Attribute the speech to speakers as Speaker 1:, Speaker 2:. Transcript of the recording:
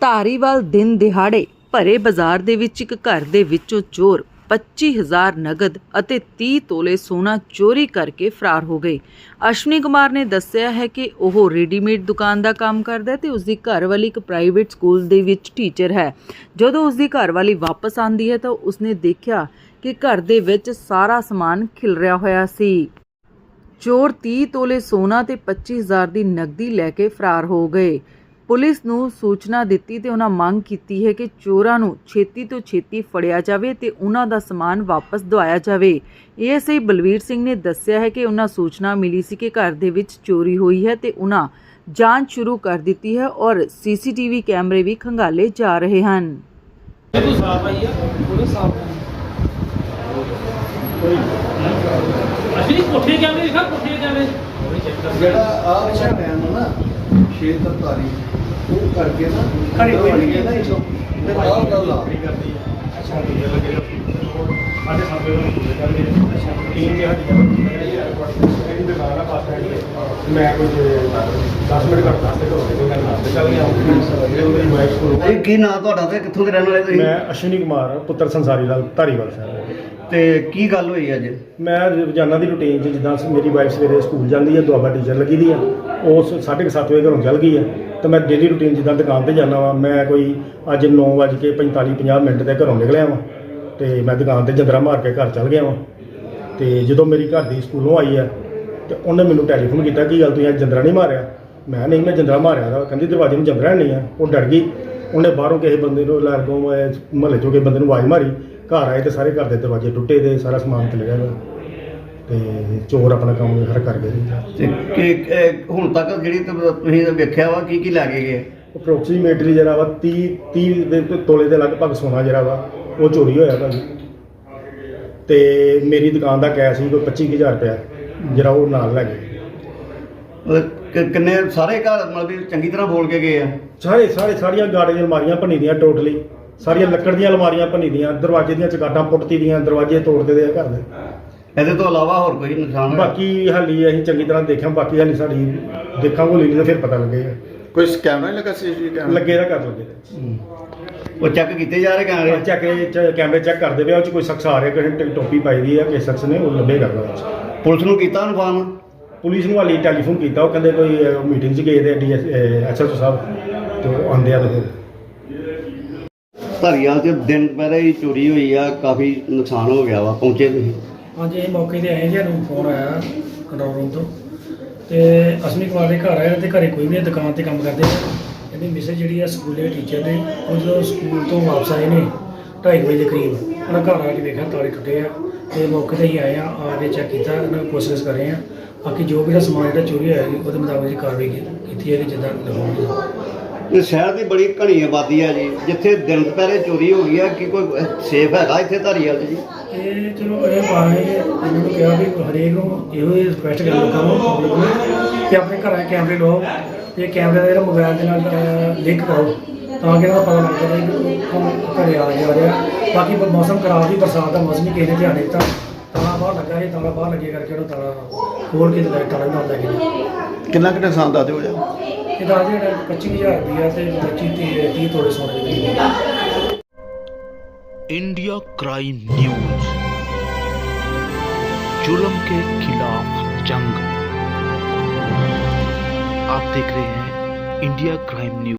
Speaker 1: ਧਾਰੀਵਾਲ ਦਿਨ ਦਿਹਾੜੇ ਭਰੇ ਬਾਜ਼ਾਰ ਦੇ ਵਿੱਚ ਇੱਕ ਘਰ ਦੇ ਵਿੱਚੋਂ ਚੋਰ 25,000 ਨਗਦ ਅਤੇ 30 ਤੋਲੇ ਸੋਨਾ ਚੋਰੀ ਕਰਕੇ ਫਰਾਰ ਹੋ ਗਏ। ਅਸ਼ਵਨੀ ਕੁਮਾਰ ਨੇ ਦੱਸਿਆ ਹੈ ਕਿ ਉਹ ਰੈਡੀਮੇਡ ਦੁਕਾਨ ਦਾ ਕੰਮ ਕਰਦਾ ਹੈ ਤੇ ਉਸ ਦੀ ਘਰਵਾਲੀ ਇੱਕ ਪ੍ਰਾਈਵੇਟ ਸਕੂਲ ਦੇ ਵਿੱਚ ਟੀਚਰ ਹੈ। ਜਦੋਂ ਉਸ ਦੀ ਘਰਵਾਲੀ ਵਾਪਸ ਆਉਂਦੀ ਹੈ ਤਾਂ ਉਸਨੇ ਦੇਖਿਆ ਕਿ ਘਰ ਦੇ ਵਿੱਚ ਸਾਰਾ ਸਮਾਨ ਖਿਲਰਿਆ ਹੋਇਆ ਸੀ। ਚੋਰ 30 ਤੋਲੇ ਸੋਨਾ ਤੇ 25,000 ਦੀ ਨਕਦੀ ਲੈ ਕੇ ਫਰਾਰ ਹੋ ਗਏ। ਪੁਲਿਸ ਨੂੰ ਸੂਚਨਾ ਦਿੱਤੀ ਤੇ ਉਹਨਾਂ ਮੰਗ ਕੀਤੀ ਹੈ ਕਿ ਚੋਰਾਂ ਨੂੰ ਛੇਤੀ ਤੋਂ ਛੇਤੀ ਫੜਿਆ ਜਾਵੇ ਤੇ ਉਹਨਾਂ ਦਾ ਸਮਾਨ ਵਾਪਸ ਦਵਾਇਆ ਜਾਵੇ। ਏਐਸਆਈ ਬਲਵੀਰ ਸਿੰਘ ਨੇ ਦੱਸਿਆ ਹੈ ਕਿ ਉਹਨਾਂ ਸੂਚਨਾ ਮਿਲੀ ਸੀ ਕਿ ਘਰ ਦੇ ਵਿੱਚ ਚੋਰੀ ਹੋਈ ਹੈ ਤੇ ਉਹਨਾਂ ਜਾਂਚ ਸ਼ੁਰੂ ਕਰ ਦਿੱਤੀ ਹੈ ਔਰ ਸੀਸੀਟੀਵੀ ਕੈਮਰੇ ਵੀ ਖੰਗਾਲੇ ਜਾ ਰਹੇ ਹਨ।
Speaker 2: ਕੋਠੇ ਕੈਮਰੇ ਦਿਖਾ, ਕੋਠੇ ਕੈਮਰੇ
Speaker 3: ਜਿਹੜਾ ਆ ਅੱਛਾ ਟਾਈਮ ਨਾ 6:43 ਉਹ ਕਰਕੇ ਨਾ
Speaker 2: ਘਰੇ ਕੋਈ ਨਹੀਂ
Speaker 3: ਹੈ ਨਾ ਇਸੋ ਤੇ ਆਹ ਗੱਲ ਆ
Speaker 2: ਅੱਛਾ ਵੀਡੀਓ ਲੱਗੇ ਸਾਡੇ ਸਾਹਮਣੇ ਨੂੰ ਪੂਰੇ ਕਰ ਦੇ ਅੱਛਾ ਟੀਮ ਦੇ ਹੱਥ ਇਹਦੀ ਦੁਕਾਨ ਆ ਪਾਸ ਮੈਂ ਕੁਝ 10 ਮਿੰਟ ਘੱਟ ਵਾਸਤੇ ਕੋਈ ਗੱਲ ਨਾ ਚੱਲ ਗਿਆ ਮੇਰੀ ਵਾਈਫ ਕੋਲ।
Speaker 3: ਇਹ ਕੀ ਨਾਂ ਤੁਹਾਡਾ ਤੇ ਕਿੱਥੋਂ ਦੇ ਰਹਿਣ ਵਾਲੇ ਤੁਸੀਂ?
Speaker 2: ਮੈਂ ਅਸ਼ਵਨੀ ਕੁਮਾਰ ਪੁੱਤਰ ਸੰਸਾਰੀ ਲਾਲ ਧਾਰੀਵਾਲ ਸਾਹਿਬ।
Speaker 3: ਤੇ ਕੀ ਗੱਲ ਹੋਈ ਅੱਜ?
Speaker 2: ਮੈਂ ਰੋਜ਼ਾਨਾ ਦੀ ਰੂਟੀਨ 'ਚ ਜਿੱਦਾਂ ਮੇਰੀ ਵਾਈਫ ਸਵੇਰੇ ਸਕੂਲ ਜਾਂਦੀ ਹੈ, ਦੁਆਬਾ ਟੀਚਰ ਲੱਗੀ ਦੀ ਆ, ਉਹ 7:30 ਵਜੇ ਘਰੋਂ ਚੱਲ ਗਈ ਹੈ ਤੇ ਮੈਂ ਡੇਲੀ ਰੂਟੀਨ ਜਿੱਦਾਂ ਦੁਕਾਨ ਤੇ ਜਾਂਦਾ ਵਾਂ। ਮੈਂ ਕੋਈ ਅੱਜ 9:45-50 ਤੇ ਘਰੋਂ ਨਿਕਲਿਆ ਵਾਂ ਤੇ ਮੈਂ ਦੁਕਾਨ ਤੇ ਜੰਦਰਾ ਮਾਰ ਕੇ ਘਰ ਚੱਲ ਗਿਆ ਵਾਂ। ਤੇ ਜਦੋਂ ਮੇਰੀ ਘਰ ਦੀ ਸਕੂਲੋਂ ਆਈ ਹੈ ਤੇ ਉਹਨੇ ਮੈਨੂੰ ਟੈਲੀਫੋਨ ਕੀਤਾ ਕਿ ਗੱਲ ਤੁਸੀਂ ਅੱਜ ਜੰਦਰਾ ਨਹੀਂ ਮਾਰਿਆ? ਮੈਂ ਨਹੀਂ, ਮੈਂ ਜੰਦਰਾ ਮਾਰਿਆ ਦਾ। ਕਹਿੰਦੀ ਦਰਵਾਜ਼ੇ ਨੂੰ ਜੰਦਰਾ ਨਹੀਂ ਆ। ਉਹ ਡਰ ਗਈ। ਉਹਨੇ ਬਾਹਰੋਂ ਕਿਸੇ ਬੰਦੇ ਨੂੰ ਲਾਗੋਂ ਮੁਹੱਲੇ 'ਚੋਂ ਕਿਸੇ ਬੰਦੇ ਨੂੰ ਆਵਾਜ਼ ਮਾਰੀ। ਘਰ ਆਏ ਤੇ ਸਾਰੇ ਘਰ ਦੇ ਦਰਵਾਜ਼ੇ ਟੁੱਟੇ ਤੇ ਸਾਰਾ ਸਮਾਨ ਖਿਲ ਗਿਆ ਤੇ ਚੋਰ ਆਪਣਾ ਕੰਮ ਹਰ ਕਰ ਗਏ।
Speaker 3: ਤੇ ਹੁਣ ਤੱਕ ਜਿਹੜੀ ਤੁਸੀਂ ਵੇਖਿਆ ਵਾ ਕੀ ਲੈ ਕੇ ਗਏ?
Speaker 2: ਅਪਰੋਕਸੀਮੇਟਲੀ ਜਿਹੜਾ ਵਾ 30 ਦੇ ਤੋਲੇ ਦੇ ਲਗਭਗ ਸੋਨਾ ਜਿਹੜਾ ਵਾ ਉਹ ਚੋਰੀ ਹੋਇਆ ਭਾਜੀ। ਤੇ ਮੇਰੀ ਦੁਕਾਨ ਦਾ ਕੈਸ਼ ਸੀ ਕੋਈ 25,000 ਰੁਪਇਆ ਜਿਹੜਾ ਉਹ ਨਾਲ ਲੈ ਗਏ।
Speaker 3: ਕਿੰਨੇ ਸਾਰੇ ਘਰ ਮਤਲਬ ਚੰਗੀ ਤਰ੍ਹਾਂ ਬੋਲ ਕੇ ਗਏ ਆ?
Speaker 2: ਸਾਰੀਆਂ ਗਾੜੇ ਦੀਆਂ ਅਲਮਾਰੀਆਂ ਭੰਨੀ ਦੀਆਂ, ਟੋਟਲੀ ਸਾਰੀਆਂ ਲੱਕੜ ਦੀਆਂ ਅਲਮਾਰੀਆਂ ਭੰਨੀ ਦੀਆਂ, ਦਰਵਾਜ਼ੇ ਦੀਆਂ ਚਗਾਟਾਂ ਪੁੱਟਤੀ ਦੀਆਂ, ਦਰਵਾਜ਼ੇ ਤੋੜਦੇ ਦੇ ਘਰ ਦੇ।
Speaker 3: ਇਹਦੇ ਤੋਂ ਇਲਾਵਾ ਹੋਰ ਕੋਈ ਨੁਕਸਾਨ?
Speaker 2: ਬਾਕੀ ਹਾਲੀ ਅਸੀਂ ਚੰਗੀ ਤਰ੍ਹਾਂ ਦੇਖਿਆ, ਬਾਕੀ ਹਾਲੀ ਸਾਡੀ ਦੇਖਾਂਗੇ ਹੋਲੀ ਤਾਂ ਫਿਰ ਪਤਾ ਲੱਗੇਗਾ।
Speaker 3: ਕੋਈ ਕੈਮਰਾ ਨਹੀਂ ਲੱਗਾ? ਸੀਸੀਟੀਵੀ ਕੈਮਰਾ
Speaker 2: ਲੱਗੇ ਦਾ ਕਰ ਲੱਗੇ
Speaker 3: ਉਹ ਚੈੱਕ ਕੀਤੇ ਜਾ ਰਹੇ ਕੈਮਰੇ?
Speaker 2: ਕੈਮਰੇ ਚੈੱਕ ਕਰਦੇ ਪਏ, ਉਹ 'ਚ ਕੋਈ ਸ਼ਖਸ ਆ ਰਿਹਾ, ਕਿਸੇ ਟੋਪੀ ਪਾਈ ਦੀ ਆ, ਕਿਸੇ ਸ਼ਖਸ ਨੇ ਉਹ ਲੱਭੇ ਕਰਦਾ।
Speaker 3: ਪੁਲਿਸ ਨੂੰ ਕੀਤਾ ਇਨਫਾਰਮ?
Speaker 2: ਪੁਲਿਸ ਨੂੰ ਹਾਲੀ ਟੈਲੀਫੋਨ ਕੀਤਾ, ਉਹ ਕਹਿੰਦੇ ਕੋਈ ਮੀਟਿੰਗ 'ਚ ਗਏ ਦੇ ਐਸਐਚਓ ਸਾਹਿਬ ਤੇ ਉਹ ਆਉਂਦੇ ਆ। ਤੇ ਫਿਰ
Speaker 3: ਧਾਰੀਵਾਲ 'ਚ ਦਿਨ ਪਹਿਰੇ ਹੀ ਚੋਰੀ ਹੋਈ ਆ, ਕਾਫੀ ਨੁਕਸਾਨ ਹੋ ਗਿਆ ਵਾ, ਪਹੁੰਚੇ ਤੁਸੀਂ?
Speaker 4: ਹਾਂਜੀ, ਇਹ ਮੌਕੇ 'ਤੇ ਆਏ ਜੀ। ਸਾਨੂੰ ਫੋਨ ਆਇਆ ਕੰਟਰੋਲ ਰੂਮ ਤੋਂ ਤੇ ਅਸ਼ਵਨੀ ਕੁਮਾਰ ਦੇ ਘਰ ਆਏ ਤੇ ਘਰੇ ਕੋਈ ਨਹੀਂ, ਦੁਕਾਨ 'ਤੇ ਕੰਮ ਕਰਦੇ। ਇਹਦੀ ਮਿਸੇਜ ਜਿਹੜੀ ਆ ਸਕੂਲੇ ਟੀਚਰ ਨੇ, ਉਹ ਜਦੋਂ ਸਕੂਲ ਤੋਂ ਵਾਪਸ ਆਏ ਨੇ 2:30 ਵਜੇ ਦੇ ਕਰੀਬ, ਉਹਨਾਂ ਘਰ ਆ ਕੇ ਵੇਖਿਆ ਤਾਲੇ ਟੁੱਟੇ ਆ ਤੇ ਮੌਕੇ 'ਤੇ ਹੀ ਆਏ ਆ ਕੇ ਚੈੱਕ ਕੀਤਾ, ਉਹਨਾਂ ਕੋਸ਼ਿਸ਼ ਕਰ ਰਹੇ ਆ। ਬਾਕੀ ਜੋ ਵੀ ਦਾ ਸਮਾਨ ਜਿਹੜਾ ਚੋਰੀ ਹੋਇਆ ਉਹਦੇ ਮੁਤਾਬਕ ਜੀ ਕਾਰਵਾਈ ਕੀਤੀ ਹੈ ਕਿ ਜਿੱਦਾਂ ਲਗਾਉਣੀ।
Speaker 3: ਇਹ ਸ਼ਹਿਰ ਦੀ ਬੜੀ ਘਣੀ ਆਬਾਦੀ ਆ ਜੀ, ਜਿੱਥੇ ਦਿਨ ਦੁਪਹਿਰੇ ਚੋਰੀ ਹੋ ਗਈ ਆ, ਕੀ ਕੋਈ ਸੇਫ ਹੈਗਾ ਇੱਥੇ ਧਾਰੀਵਾਲ 'ਚ ਜੀ?
Speaker 4: ਇਹ ਚਲੋ ਇਹ ਪਾਣੇ ਇਹਨਾਂ ਨੂੰ ਕਿਹਾ ਵੀ ਹਰੇਕ ਨੂੰ ਇਹੋ ਹੀ ਰਿਕੁਐਸਟ ਕਰ ਲੋਕਾਂ ਨੂੰ, ਪਬਲਿਕ ਨੂੰ, ਕਿ ਆਪਣੇ ਘਰਾਂ 'ਚ ਕੈਮਰੇ ਲਵਾਓ ਤੇ ਕੈਮਰੇ ਦਾ ਜਿਹੜਾ ਮੋਬਾਈਲ ਦੇ ਨਾਲ ਲਿੰਕ ਕਰੋ ਤਾਂ ਕਿ ਇਹਨਾਂ ਦਾ ਪਤਾ ਲੱਗ ਜਾਵੇ ਕਿ ਘਰੇ ਆ ਜਾ ਰਿਹਾ। ਬਾਕੀ ਮੌਸਮ ਖਰਾਬ ਸੀ, ਬਰਸਾਤ ਦਾ ਮੌਸਮ ਹੀ ਕਿਸੇ ਨੇ ਧਿਆਨ ਨਹੀਂ ਦਿੱਤਾ, ਤਾਲਾ ਬਾਹਰ ਲੱਗਾ ਸੀ, ਤਾਲਾ ਬਾਹਰ ਲੱਗੇ ਕਰਕੇ ਉਹਨੂੰ ਤਾਲਾ ਖੋਲ੍ਹ ਕੇ ਤੇ ਤਾਲਾ ਨਾਲ ਲੈ ਗਏ।
Speaker 3: ਕਿੰਨਾ ਕੁ ਨੁਕਸਾਨ ਦੱਸ ਦਿਓ ਜਾ?
Speaker 4: ਇਹ ਤਾਂ ਜਿਹੜਾ 25,000 ਰੁਪਇਆ ਤੇ 30 ਤੋਲੇ ਸੋਨੇ ਦੇ।
Speaker 5: इंडिया क्राइम न्यूज, जुल्म के खिलाफ जंग। आप देख रहे हैं इंडिया क्राइम न्यूज।